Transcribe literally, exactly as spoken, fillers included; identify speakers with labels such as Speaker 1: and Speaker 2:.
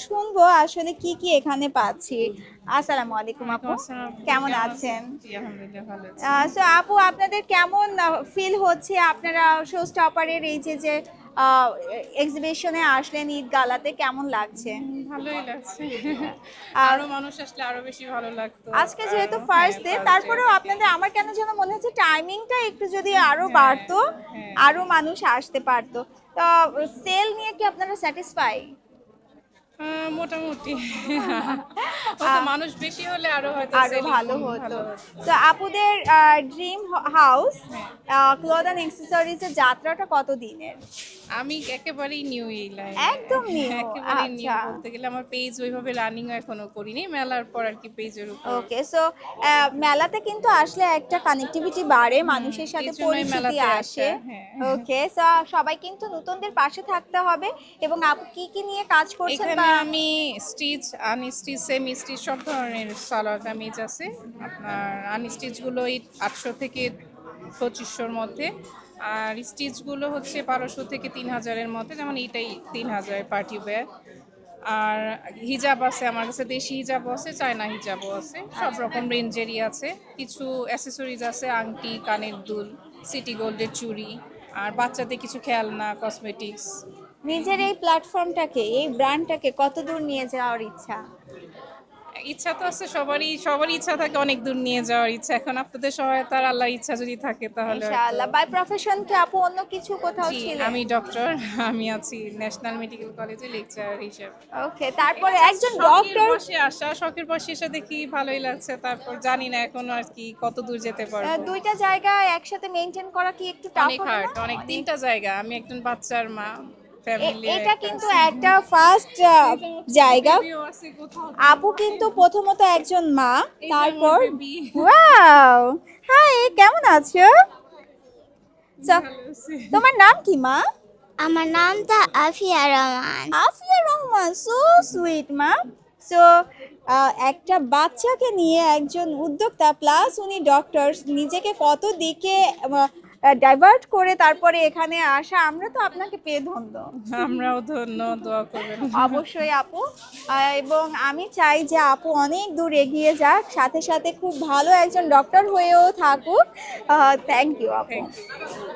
Speaker 1: শুনবো আসলে কি কি এখানে পাচ্ছি। আসসালামু আলাইকুম আপু, কেমন আছেন? সো আপু, আপনাদের কেমন ফিল হচ্ছে আপনারা শো স্টপারের এই যে যে এক্সিবিশনে আসলেন, ঈদ গালাতে কেমন লাগছে?
Speaker 2: ভালোই লাগছে।
Speaker 1: আর
Speaker 2: আরো মানুষ আসলে আরো বেশি ভালো লাগতো।
Speaker 1: আজকে যেহেতু
Speaker 2: আরো হ্যাঁ
Speaker 1: ফার্স্ট ডে,
Speaker 2: ফার্স্ট ডে
Speaker 1: তারপরেও
Speaker 2: থেকে
Speaker 1: আপনাদের আমার কেন যেন মনে হচ্ছে টাইমিংটা একটু যদি আরো
Speaker 2: হ্যাঁ
Speaker 1: বাড়তো,
Speaker 2: হ্যাঁ
Speaker 1: আরো মানুষ আসতে পারতো। তো সেল নিয়ে কি আপনারা স্যাটিসফাই?
Speaker 2: আহ, মোটামুটি হয়তো মানুষ বেশি হলে আরো হয়তো
Speaker 1: আরো
Speaker 2: সেলিং
Speaker 1: ভালো
Speaker 2: ভালো
Speaker 1: হতো।
Speaker 2: হতো।
Speaker 1: তো আপুদের ড্রিম হাউস
Speaker 2: হ্যাঁ
Speaker 1: ক্লথ অ্যান্ড অ্যাক্সেসরিজের যাত্রাটা কত দিনের?
Speaker 2: আমি একেবারেই নিউ এই লাইনে।
Speaker 1: একদম নিউ।
Speaker 2: একেবারেই নিউ
Speaker 1: আচ্ছা,
Speaker 2: বলতে গেলে আমার পেজ ওইভাবে রানিং এখনো করিনি, মেলার পর আর কি পেজের উপর।
Speaker 1: ওকে। সো মেলাতে কিন্তু আসলে একটা কানেক্টিভিটি বাড়ে,
Speaker 2: হুম
Speaker 1: মানুষের
Speaker 2: এই
Speaker 1: সাথে
Speaker 2: জন্যই
Speaker 1: পরিচিতি
Speaker 2: মেলাতে
Speaker 1: আসে।
Speaker 2: আসা। হ্যাঁ
Speaker 1: ওকে, সো সবাই কিন্তু নতুনদের পাশে থাকতে হবে। এবং আপু কি কি নিয়ে কাজ করছেন
Speaker 2: এখানে
Speaker 1: বা?
Speaker 2: আমি স্টিচ আনস্টিচ সেমি স্টিচ সব ধরনের সালোয়ার কামিজ আছে। আপনার আনস্টিচগুলো এই আটশো থেকে পঁচিশশোর মধ্যে, আর স্টিচগুলো হচ্ছে বারোশো থেকে তিন হাজারের মধ্যে, যেমন এইটাই তিন হাজার পার্টি ওয়্যার। আর হিজাব আছে আমার কাছে, দেশি হিজাবও আছে, চায়না হিজাবও আছে, সব রকম রেঞ্জেরই আছে। কিছু অ্যাসেসরিজ আছে, আংটি, কানের দুল, সিটি গোল্ডের চুড়ি, আর বাচ্চাদের কিছু খেলনা, কসমেটিক্স।
Speaker 1: নিজের এই প্ল্যাটফর্মটাকে, এই ব্র্যান্ডটাকে কত দূর নিয়ে যাওয়ার ইচ্ছা?
Speaker 2: ইচ্ছা তো আছে সবারই, সবারই ইচ্ছা থাকে অনেক দূর নিয়ে যাওয়ার ইচ্ছা। এখন আপনাদের সহায়তার আল্লাহর ইচ্ছা যদি থাকে তাহলে হয়তো।
Speaker 1: ইনশাআল্লাহ। বাই প্রফেশন কি আপু অন্য কিছু কোথাও
Speaker 2: জি
Speaker 1: ছিলেন?
Speaker 2: আমি ডক্টর, আমি আছি ন্যাশনাল মেডিকেল কলেজে লেকচারার হিসেবে।
Speaker 1: ওকে,
Speaker 2: এটা
Speaker 1: তারপরে
Speaker 2: জাস্ট
Speaker 1: একজন
Speaker 2: শখের
Speaker 1: ডক্টর।
Speaker 2: বসে আসা, শখের বসে এসে দেখি ভালোই লাগছে, তারপর জানি না এখন আর কি কত দূর যেতে পারবো।
Speaker 1: দুইটা জায়গা একসাথে মেনটেন করা কি একটু টাফ
Speaker 2: অনেক
Speaker 1: হবে না?
Speaker 2: হার্ড, অনেক
Speaker 1: অনেক।
Speaker 2: তিনটা জায়গা, আমি একজন বাচ্চার মা,
Speaker 1: এ-
Speaker 2: ফ্যামিলি
Speaker 1: এটা
Speaker 2: একটা
Speaker 1: কিন্তু
Speaker 2: আছে।
Speaker 1: একটা ফার্স্ট
Speaker 2: এইটা হচ্ছে
Speaker 1: জায়গা।
Speaker 2: বেবিও আছে কোথাও
Speaker 1: আপু
Speaker 2: তো।
Speaker 1: কিন্তু প্রথমত একজন মা,
Speaker 2: এই যে আমার
Speaker 1: তারপর
Speaker 2: বেবি।
Speaker 1: ওয়াও, হাই, কেমন আছো? চ-
Speaker 2: ভালো আছে।
Speaker 1: তোমার নাম কি মা?
Speaker 3: আমার নামটা আফিয়া রহমান।
Speaker 1: আফিয়া রহমান, সো সুইট মা। সো একটা বাচ্চাকে নিয়ে একজন উদ্যোক্তা প্লাস উনি ডক্টর, নিজেকে কত দিকে ডাইভার্ট করে তারপরে এখানে আসা, আমরা তো আপনাকে পেয়ে ধন্য।
Speaker 2: আমরাও ধন্য, দোয়া করবেন।
Speaker 1: অবশ্যই আপু। আহ, এবং আমি চাই যে আপু অনেক দূর এগিয়ে যাক, সাথে সাথে খুব ভালো একজন ডক্টর হয়েও থাকুক। থ্যাংক ইউ আপু।
Speaker 2: Thank you.